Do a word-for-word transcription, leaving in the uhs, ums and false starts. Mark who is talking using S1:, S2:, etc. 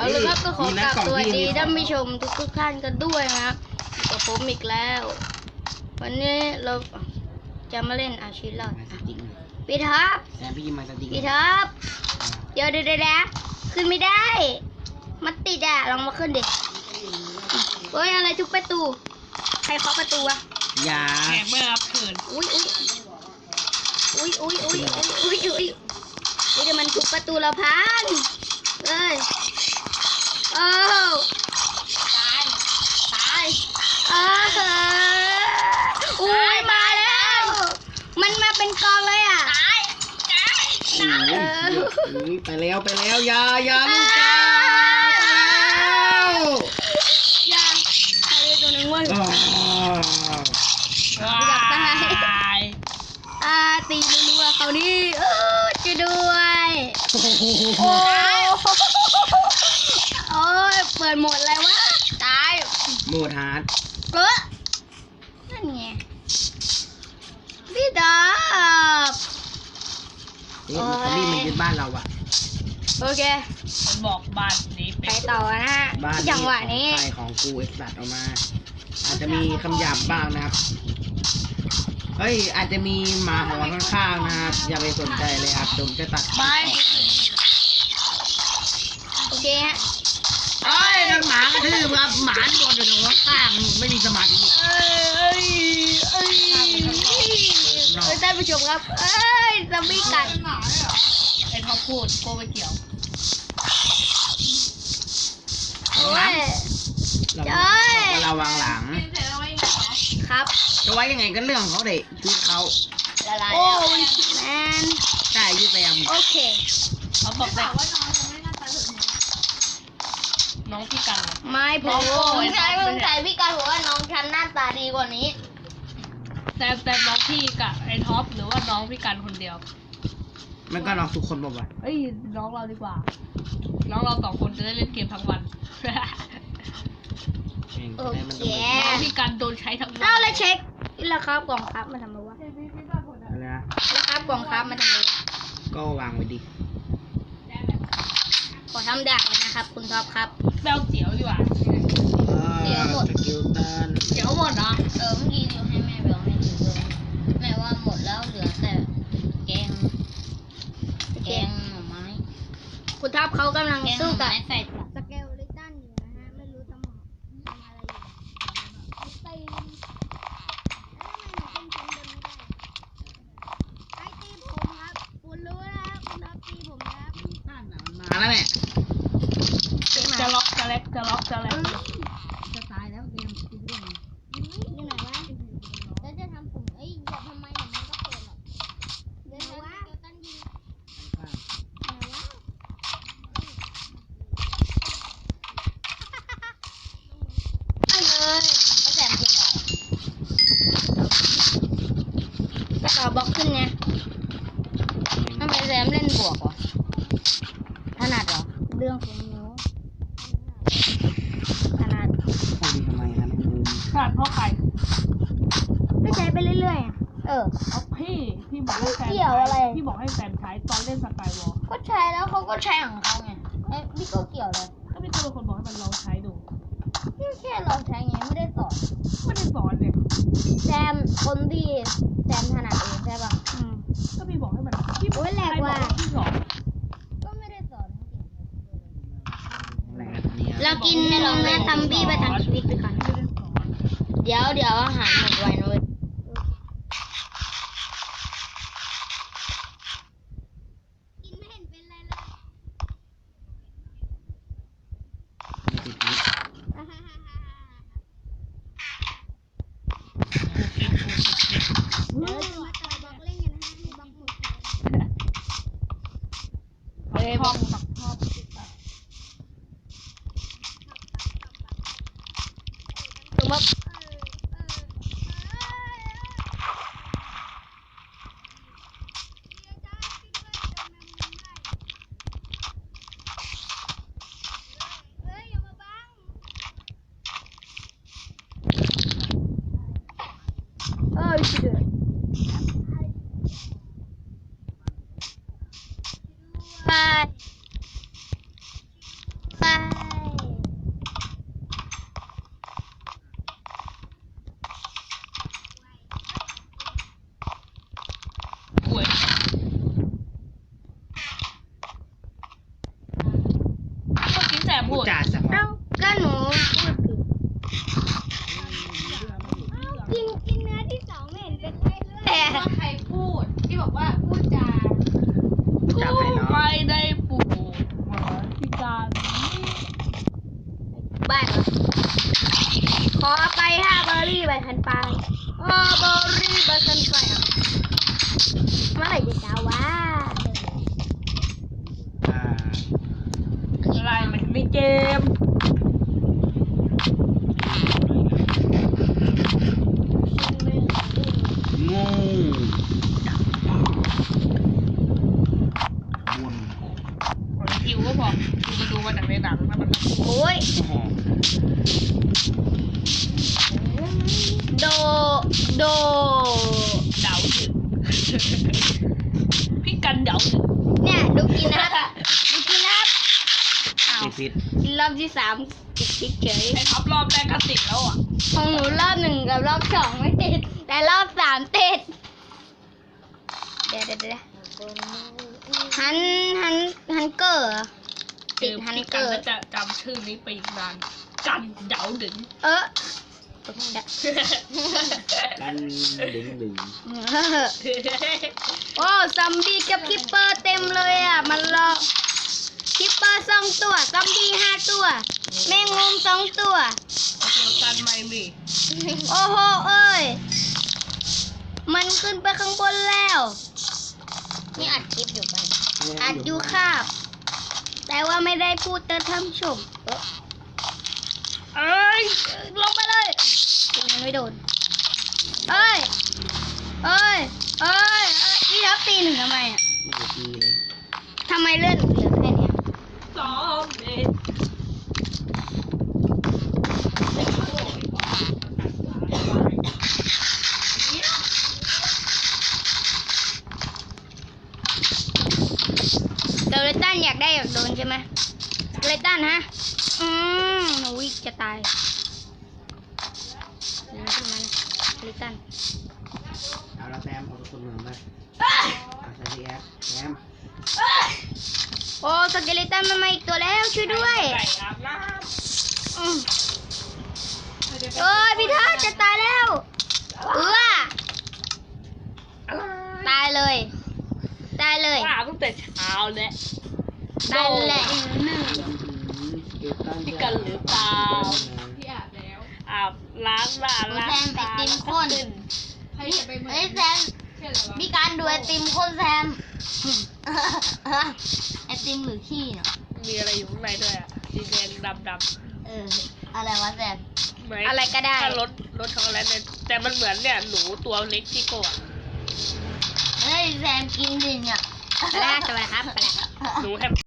S1: เอาเลยครับก็ขอกราบสวัสดีท่านผู้ชมทุกทุกท่านกันด้วยนะครับกับผมอีกแล้ว วันนี้เราจะมาเล่นอาชีพเราพี่ท็อปพี่ท็อปเดี๋ยวเดี๋ยวเดี๋ยวขึ้นไม่ได้มันติดอ่ะลองมาขึ้นดิเฮ้ยอะไรทุกประตูใครเคาะประตูวะ
S2: อย่า
S3: แขกไม่รับเชิญ
S1: อุ้ยอุ้ยอุ้ยอุ้ยอุ้ยอุ้ยอุ้ยอุ้ยเดี๋ยวมันทุกประตูเราพังเอ้ยโอ้ตายตายเอออุ้ยมาแล้วมันมาเป็นกองเลยอ่ะตายตายตาย
S2: ไปแล้วไปแล้วอย่าอย่าลูกจ้า
S1: อย่าใครตัวนึงวะตายอ่าตีรัวๆเขานี่เออจะด้วยโอ้โอ้ยเปิดหมดเลยวะตาย
S2: โหมดฮาร์ด
S1: เออนั่นไงพี่ดาบ
S2: เอ๊ะมันนี่มันยึดบ้านเราอะ
S1: โอเค
S3: มันบอกบ้านนี้
S1: ไปต่อนะฮะจังหวะนี้
S2: ใครของกูเอ็กซ์ตัดออกมาอาจจะมีคำหยาบบ้างนะครับเฮ้ยอาจจะมีหมาหอนข้างๆนะครับอย่าไปสนใจเลยครับผมจะตัด
S3: ไป
S1: โอเคฮะ
S2: เอ้ยโดนหมากระทืบครับหมาโดนอยู่ตรงข้างไม่มีสมาธิ
S1: เอ้ยเอ้ยเอ้ยท่านผู้ชมครับเอ้ยซอมบี้กัด
S3: ไอ้ท็อปพูดโกไม่เกี่ยว
S1: โอ้ย
S2: จ้อยระวังหลัง
S1: ครับ
S2: จะไว้ยังไงก็เรื่องเขาเด็กคือเขา
S1: ละลายโอ้ยแมน
S2: ใช่ยืดแรม
S1: โอเค
S3: เขาบอกว่าน้องยังไม่น่าตาถึงน้องพี่กัน
S1: ไม่ผมผมใช้ผมใช้พี่กันบอกว่าน้องฉันหน้าตาดีกว่านี้
S3: แต่แต่น้องพี่กับไอ้ท็อปหรือว่าน้องพี่กันคนเดียว
S2: มันก็น้องทุกคนบอกว่า
S3: เอ้ยน้องเราดีกว่าน้องเราสองคนจะได้เล่นเกมทั้งวัน
S1: โอเค
S3: น้องพี่กันโดนใช้ทั้งวัน
S1: เอาเลยเช็คราคากล่องครับมาทำอะไรวะ
S2: อะไรนะ
S1: ราคากล่องครับมาทำอะไร
S2: ก็วางไว้ดิ
S1: ขอทำดักเลยนะครับคุณท็อปครับ
S3: แบลเจียวดีกว่า
S1: เดี๋ยวหมด
S2: สกิลตัน
S3: เดี๋ยวหมดเนาะ
S1: เออเมื่อกี้เดี๋ยวให้แม่แบลให้ดูเลยแม่ว่าหมดแล้วเหลือแต่แกงแกงหน่อไม้คุณท็อปเขากำลังสู้กับใส่สเกลลิตันอยู่นะฮะไม่รู้ทำทำอะไรอยู่ตีแล้วทำไมหนูเป็นคนเดินไม่ได้ไอ้ตีผมครับคุณรู้แล้วคุณท็อปตีผมแล้ว
S2: มาแล้วเนี่ย
S3: จะล็อกจะเล็กจะล็อกจะเล็ก
S1: จะตายแล้วเกมติดเรื่องอยู่ไหนวะแล้วจะทำผมเอ้ยอย่าทำไมผมมันก็เปิดหรอกเดี๋ยววะเดี๋ยวตั้งยิงไหนวะไปเลยไปแซมเก็บก่อนไปต่อบล็อกขึ้นไงทำไมแซมเล่นบวกวะถนัดเหรอเรื่องของหนูถนัด
S2: ทำทำไมนะน้องบูม
S3: ขนาดเพราะใคร
S1: ก็ใช้ไปเรื่อยๆเออ
S3: เอาพี่พี่บอกให้แฟนพี่บอกให้แฟนใช้ตอนเล่นสกายวอล์ก
S1: ก็ใช้แล้วเขาก็ใช้ของเขาไงไอ้พี่ก็เกี่ยวเลย
S3: ก็พี่เป็นคนบอกให้มันลองใช้ดู
S1: พี่แค่ลองใช้ไงไม่ได้สอน
S3: ไม่ได้สอนเลย
S1: แซมคนที่แซมถนัดเองใช่ป่ะ
S3: อืมก็พี่บอกให้มันพี่
S1: โอ้ยแหลกว่ะ
S3: พี่สอน
S1: ก็ไม่ได้สอนเรากินให้ลองนะซัมบี้ไปทางชีวิตไปก่อนเดี๋ยวเดี๋ยวอาหารหมดไวนะเว้ยกินไม่เห็นเป็นไรเลยเดี๋ยวจะมาต่อบล็อกเล่นกันนะฮะให้บล็อกหมด
S3: เฮ้ยบล็อกบล็อกบล็อก
S1: คือว่าเออชิเดอร์ไปไป
S3: สบ
S2: พู
S3: พู
S2: ด
S3: ด
S2: จาสัก
S1: เอ้าก็หนูพูดผิดกินกินเนื้อที่สองไม่เห็นเป็นไรเลย
S3: ว่าใครพูดที่บอกว่าพูดจา
S2: พูดจาไพเราะ
S3: ไม่ได้ปูดมาที่การ
S1: บ้านเหรอขอไปห้าเบอร์รี่ใบคันปลายห้าเบอร์รี่ใบคันปลายอ่ะเมื่อไหร่จะเช้าวะ
S2: อ่า
S3: อะไรมันไม่เกม
S2: งูดักปลาวน
S3: คิวก็พอคิวมาดูมาจากในหนังถ้ามัน
S1: โอ้ย
S2: โอ้โห
S1: โด โด
S3: เดาถึงพี่กันเดาถึง
S1: เนี่ยดูกินนะครับดูกินนะครับอ้าว
S2: ติดพิษ
S1: กินรอบที่สามติดติดเฉย
S3: ไอ้ครับรอบแรกก็ติดแล้วอ่ะ
S1: ของหนูรอบหนึ่งกับรอบสองไม่ติด แต่รอบสามติด เดี๋ยวเดี๋ยวเดี๋ยวฮันฮันฮันเกอร์เหรอติดฮัน
S3: พี่
S1: เก
S3: กัน
S1: อร์
S3: ก็จะจำชื่อนี้ไปอีกนานกันเดาถึง
S1: เออ
S2: กันดึงดึง
S1: โอ้ซอมบี้กับคิปเปอร์เต็มเลยอ่ะ มันรอคิปเปอร์สองตัวซอมบี้ห้าตัว แมงมุมสองตัว
S3: เดียวกันไหมมี
S1: โอ้โหเอ้ย มันขึ้นไปข้างบนแล้ว นี่อัดคลิปอยู่ปะอัดอยู่คาบ แต่ว่าไม่ได้พูดเตอท่านผู้ชมเออ
S3: เอ้ย
S1: ลงไปเลยมันไม่โดน เอ้ย เอ้ย เอ้ยเอ้ยพี่ทับตีหนึ่งทำไมอ่ะ
S2: ไม่ได้ตีเลย
S1: ทำไมเลื่อนเหลือแค่เนี้ย
S3: สองเอ็ด
S1: เดลตันอยากได้อยากโดนใช่ไหมเดลตันฮะ อืมหนูวิจะตายนี่ขึ้นมานะเดลตัน
S2: เอาละแซมเอาตัวเมืองมาเอาใส่ที่แอปแซม
S1: โอ้สเกเลตันมันมาอีกตัวแล้วช่วยด้วย
S3: ไก่อาบน้
S1: อืม
S3: ำ
S1: โอ้ยพี่ทัศน์จะตายแล้วเออตายเลย ตายเลย
S3: ป้าตั้งแต่เช้าแล้ว
S1: ตายแหละ
S3: พี่กันหรือเปล่าพี่อาบแล้วอาบล้างหน้าล้าง
S1: แซมไอติมข้น
S3: ใครจะไปเหมือน
S1: เฮ้ยแซม
S3: เชื่อเหรอวะ
S1: มีการดูไอติมข้นแซมไอติมหรือขี้เนาะ
S3: มีอะไรอยู่ข้างในด้วยอ่ะสีแดงดำดำ
S1: เอออะไรวะแซม
S3: ๆเหมืน
S1: อะไรก็ได้
S3: ถ้ารสรสช็อกโกแลตเนี่ยแต่มันเหมือนเนี่ยหนูตัวเล็กที่โกะ
S1: เฮ้ยแซมกินดิเนี่ยไปแล้วสวัสดีครับไปแล้ว
S3: หนูแฮม